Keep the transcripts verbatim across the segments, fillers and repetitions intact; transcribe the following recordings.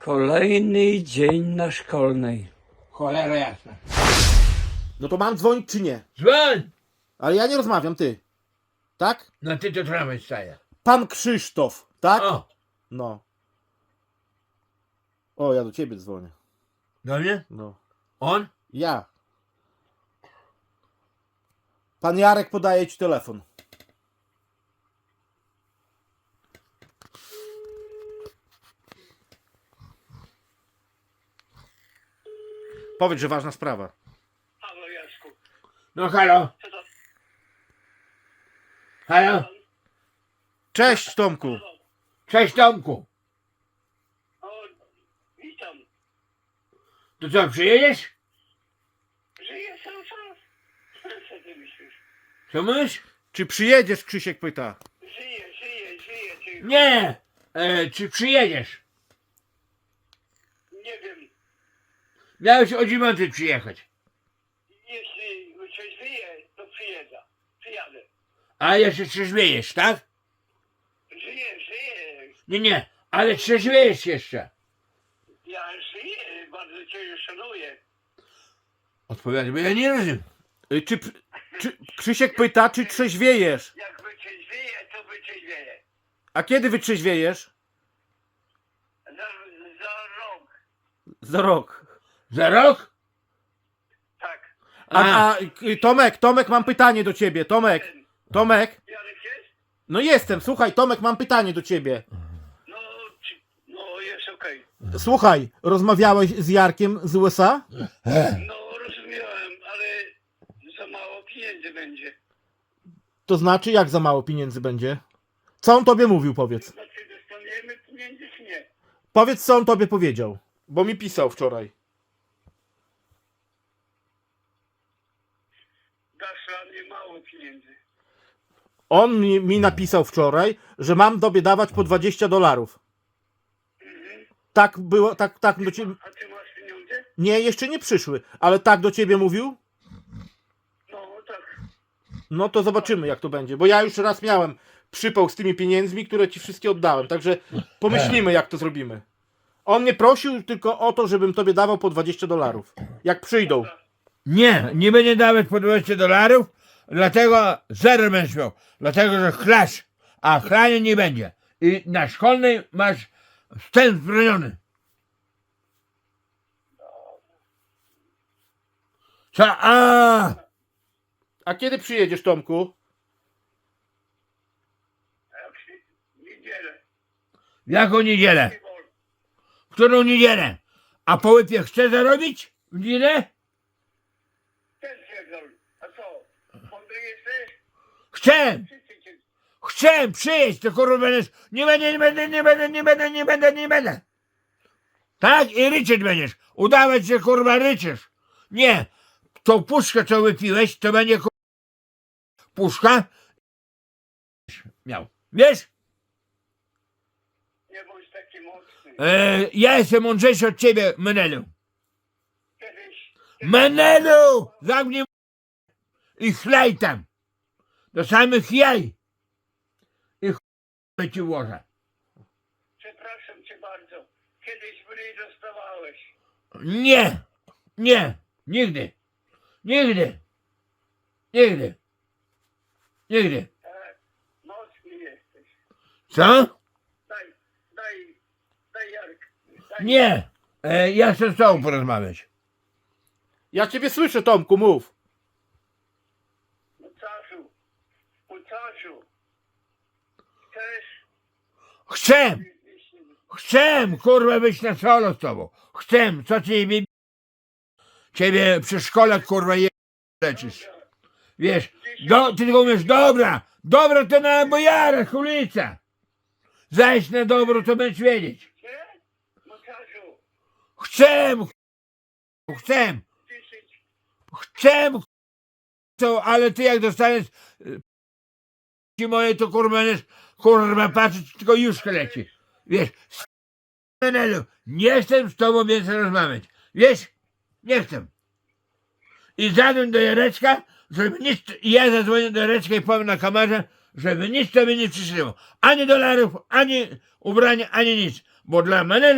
Kolejny dzień na szkolnej. Cholera jasna. No to mam dzwonić czy nie? Dzwoń! Ale ja nie rozmawiam, ty. Tak? No ty to tramwaj staje. Pan Krzysztof, tak? O! No. O, ja do ciebie dzwonię. Do mnie? No. On? Ja. Pan Jarek podaje ci telefon. Powiedz, że ważna sprawa. Halo, Jaszku. No halo? Co to? Halo? Cześć, Tomku. Cześć Tomku. O, witam. To co, przyjedziesz? Żyję cały czas. Co ty myślisz? Co mówisz? Czy przyjedziesz, Krzysiek pyta. Żyję, żyję, żyję. Ty... Nie! E, czy przyjedziesz? Nie wiem. Miałeś o dziewiątej przyjechać. Jeśli trzeźwieję, to przyjedę. Przyjadę. A jeszcze trzeźwiejesz, tak? Żyję, żyję. Nie, nie, ale trzeźwiejesz jeszcze. Ja żyję. Bardzo cię szanuję. Odpowiadaj, bo ja nie rozumiem. Y, Czy, czy Krzysiek pyta, czy trzeźwiejesz? Jak wytrzeźwieję, to wytrzeźwieję. A kiedy wytrzeźwiejesz? Za, za rok. Za rok. Za rok? Tak. A, a y, Tomek, Tomek, mam pytanie do ciebie. Tomek, Tomek. Jarek jest? No jestem, słuchaj, Tomek, mam pytanie do ciebie. No, czy... no jest okej. Słuchaj, rozmawiałeś z Jarkiem z U S A? No, rozumiałem, ale za mało pieniędzy będzie. To znaczy, jak za mało pieniędzy będzie? Co on tobie mówił, powiedz. Znaczy, dostaniemy pieniędzy, czy nie? Powiedz, co on tobie powiedział. Bo mi pisał wczoraj. Dasz dla mnie mało pieniędzy. On mi, mi napisał wczoraj, że mam tobie dawać po dwadzieścia dolarów. Tak było, tak, tak do ciebie... A ty masz pieniądze? Nie, jeszcze nie przyszły, ale tak do ciebie mówił? No, tak. No to zobaczymy, jak to będzie, bo ja już raz miałem przypał z tymi pieniędzmi, które ci wszystkie oddałem, także pomyślimy, jak to zrobimy. On mnie prosił tylko o to, żebym tobie dawał po dwadzieścia dolarów, jak przyjdą. Nie, nie będzie dawać po dwadzieścia dolarów, dlatego zero będziesz miał. Dlatego, że chlasz, a chlania nie będzie. I na szkolnej masz wstęp zbroniony. Co? A, A kiedy przyjedziesz, Tomku? A jak się niedzielę. w jaką niedzielę? Nie wolno. W którą niedzielę? A po łypie chce zarobić w niedzielę? Ten pierdol. A co? Mądry jesteś? Chcę! Wszyscy cię... Chcę przyjeść, to kurwa będziesz. Nie będę, nie będę, nie będę, nie będę, nie będę, nie będę. Tak? I ryczeć będziesz. Udawać, że kurwa ryczysz. Nie. Tą puszkę, co wypiłeś, to będzie kurwa puszka. Miał. Wiesz? Nie bądź taki mocny. E, ja jestem mądrzejszy od ciebie, Menelu. Kiedyś... Menelu! Zamknij m- i chlej tam. Do samych jaj. I ch... ci włożę. Przepraszam cię bardzo. Kiedyś mniej dostawałeś. Nie, nie, nigdy, nigdy, nigdy, nigdy. Tak. Mocny jesteś. Co? Daj, daj, daj Jarek. Daj. Nie, e, ja chcę z tobą porozmawiać. Ja ciebie słyszę, Tomku, mów. Mucasiu. Mucasiu. Chcesz? Chcę, chcę, kurwa, być na solo z tobą. Chcę, co ciebie, ciebie przy szkole, kurwa, je leczysz. Wiesz, do, ty tylko mówisz, dobra, dobra to na bojarach, ulica. Zajść na dobro, to będziesz wiedzieć. Nie? Mucasiu. Chcę, ch- chcę, Dziesięć. chcę, ch- to, ale ty jak dostaniesz y, ci moje, to kurwa będziesz, kurwa, patrzeć, tylko już leci. Wiesz, s- Menelu, nie chcę z tobą więcej rozmawiać. Wiesz, nie chcę. I zadzwoń do Jareczka, żeby nic, i ja zadzwonię do Jareczka i powiem na kamerze, żeby nic tobie nie przyszło. Ani dolarów, ani ubrania, ani nic. Bo dla Menela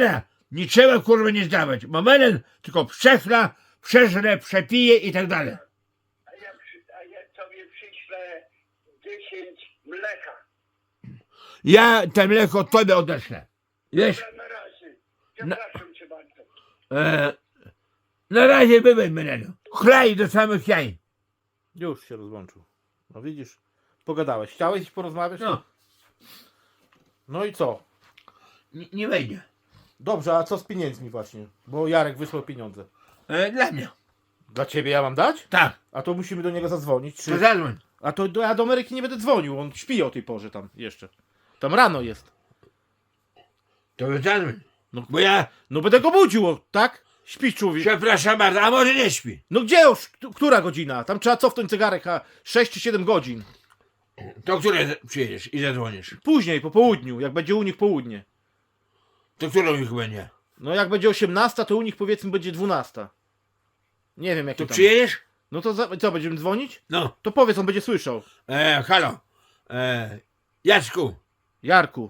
nie trzeba kurwa nie zdawać, bo menel tylko przechla, przeżre, przepije i tak dalej. A ja, przy, a ja tobie przyślę dziesięć mleka. Ja te mleko tobie odeślę. Wiesz, Dobra, na razie. Przepraszam cię bardzo. e, na razie bywaj menelu. Chlaj do samych jaj. Już się rozłączył. No widzisz, pogadałeś. Chciałeś porozmawiać? No, No i co? nie, nie wejdzie. Dobrze, a co z pieniędzmi właśnie? Bo Jarek wysłał pieniądze. E, dla mnie. Dla ciebie ja mam dać? Tak, A to musimy do niego zadzwonić. to Czy... zadzwoń. A to do, ja do Ameryki nie będę dzwonił, on śpi o tej porze tam jeszcze. Tam rano jest. To zadzwoń. No. Bo ja, No będę go budził, o, tak? Śpi człowiek. przepraszam bardzo, a może nie śpi. No gdzie już? K- Która godzina? Tam trzeba cofnąć zegarek, a sześć czy siedem godzin. To które przyjedziesz i zadzwonisz? Później, po południu, jak będzie u nich południe. To którą ich będzie? No jak będzie osiemnasta, to u nich powiedzmy będzie dwunasta. Nie wiem jaki To tam. przyjedziesz? No to za... co, będziemy dzwonić? No. To powiedz, on będzie słyszał. E, halo. E, Jacku. Jarku.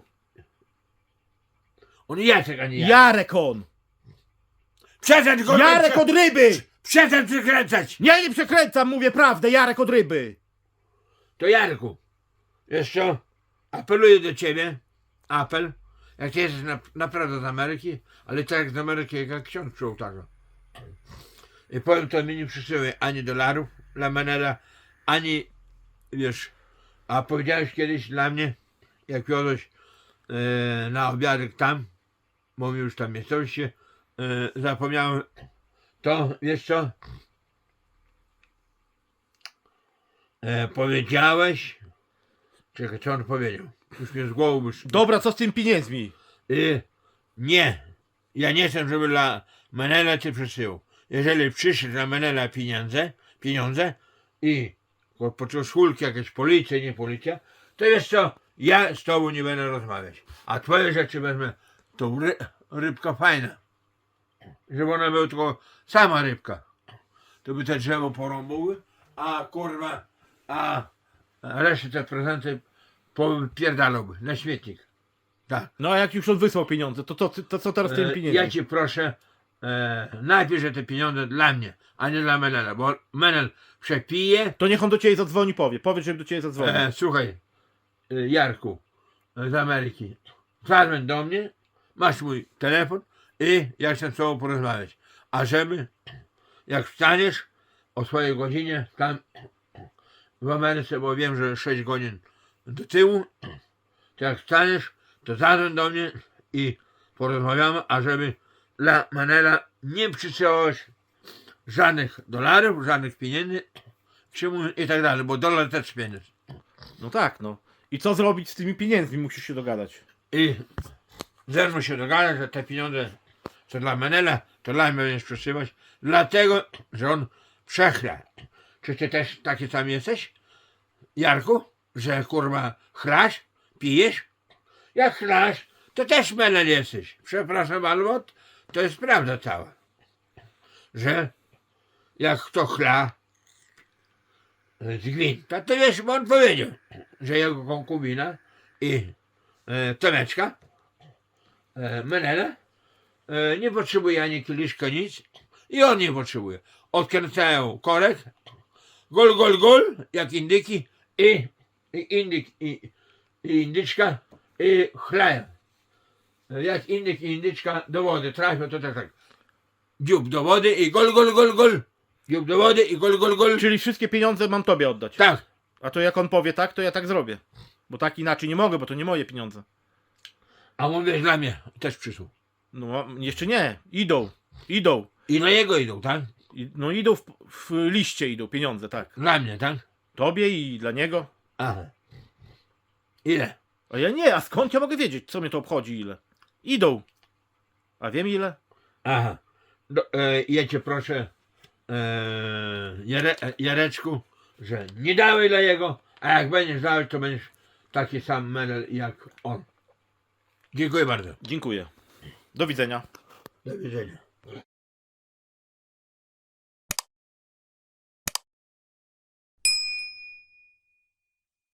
On Jacek, a nie Jarek. Jarek on! Przestań go Jarek od ryby! Przestań przekręcać. Nie, nie przekręcam, mówię prawdę, Jarek od ryby! To Jarku. Wiesz co? Apeluję do ciebie. Apel. Jak ty jesteś na, naprawdę z Ameryki, ale tak jak z Ameryki, jak ksiądz przy ołtarzu. I powiem to, mi nie przysyłaj ani dolarów dla Menela, ani, wiesz, a powiedziałeś kiedyś dla mnie, jak wiodłeś e, na obiadek tam, bo mi już tam jesteś, e, zapomniałem, to, wiesz co, e, powiedziałeś, czekaj, co on powiedział, już mnie z głowy wyszło. Dobra, co z tymi pieniędzmi? Y, nie. Ja nie chcę, żeby dla Menela cię przesyłał. Jeżeli przyszły dla Menela pieniądze, pieniądze i poczuł szulki, jakieś policja, nie policja, to wiesz co, ja z tobą nie będę rozmawiać. A twoje rzeczy wezmę, to ry, rybka fajna. Żeby ona była tylko sama rybka. To by te drzewo porąbały, a kurwa, a resztę te prezenty popierdalałby na śmietnik. Tak. No a jak już on wysłał pieniądze, to, to, to co teraz z tymi E, pieniędzmi? Ja cię proszę, e, napisz, że te pieniądze dla mnie, a nie dla Menela, bo Menel przepije. To niech on do ciebie zadzwoni, powie. Powiedz, żeby do ciebie zadzwonił. E, słuchaj, e, Jarku e, z Ameryki, zadzwoń do mnie, masz mój telefon i ja chcę z tobą porozmawiać. A żeby, jak wstaniesz o swojej godzinie tam w Ameryce, bo wiem, że sześć godzin do tyłu, to jak wstaniesz, to zadzwoń do mnie i porozmawiamy, a żeby dla Menela nie przysyłałeś żadnych dolarów, żadnych pieniędzy czemu i tak dalej, bo dolar też pieniądz. No tak, no. I co zrobić z tymi pieniędzmi? Musisz się dogadać. I zerwą się dogadać, że te pieniądze co dla Menela, to dla mnie będziesz przesyłać, dlatego, że on przechla. Czy ty też taki sam jesteś, Jarku, że kurwa chlasz, pijesz? Jak chlasz, to też Menel jesteś. Przepraszam, albo to jest prawda cała. Że jak kto chla z gwinta, to wiesz, bo on powiedział, że jego konkubina i e, Tomeczka, e, Menela, e, nie potrzebuje ani kieliszka, nic i on nie potrzebuje. Odkręcają korek, gol, gol, gol, jak indyki i, i indyk i, i indyczka i chlają. Jak indyk i indyczka do wody trafią, to tak, tak. Dziób do wody i gol, gol, gol, gol. Dziób do wody i gol, gol, gol. Czyli wszystkie pieniądze mam tobie oddać. Tak. A to jak on powie tak, to ja tak zrobię. Bo tak inaczej nie mogę, bo to nie moje pieniądze. A mówię, dla mnie też przysłał. No jeszcze nie. Idą. Idą. I na jego idą, tak? I, no idą w, w liście idą pieniądze, tak. Dla mnie, tak? Tobie i dla niego. Aha. Ile? A ja nie, a skąd ja mogę wiedzieć, co mnie to obchodzi ile? Idą. A wiem ile? Aha. Do, e, ja cię proszę, e, Jare, e, Jareczku, że nie dawaj dla jego, a jak będziesz dawać, to będziesz taki sam menel jak on. Dziękuję bardzo. Dziękuję. Do widzenia. Do widzenia.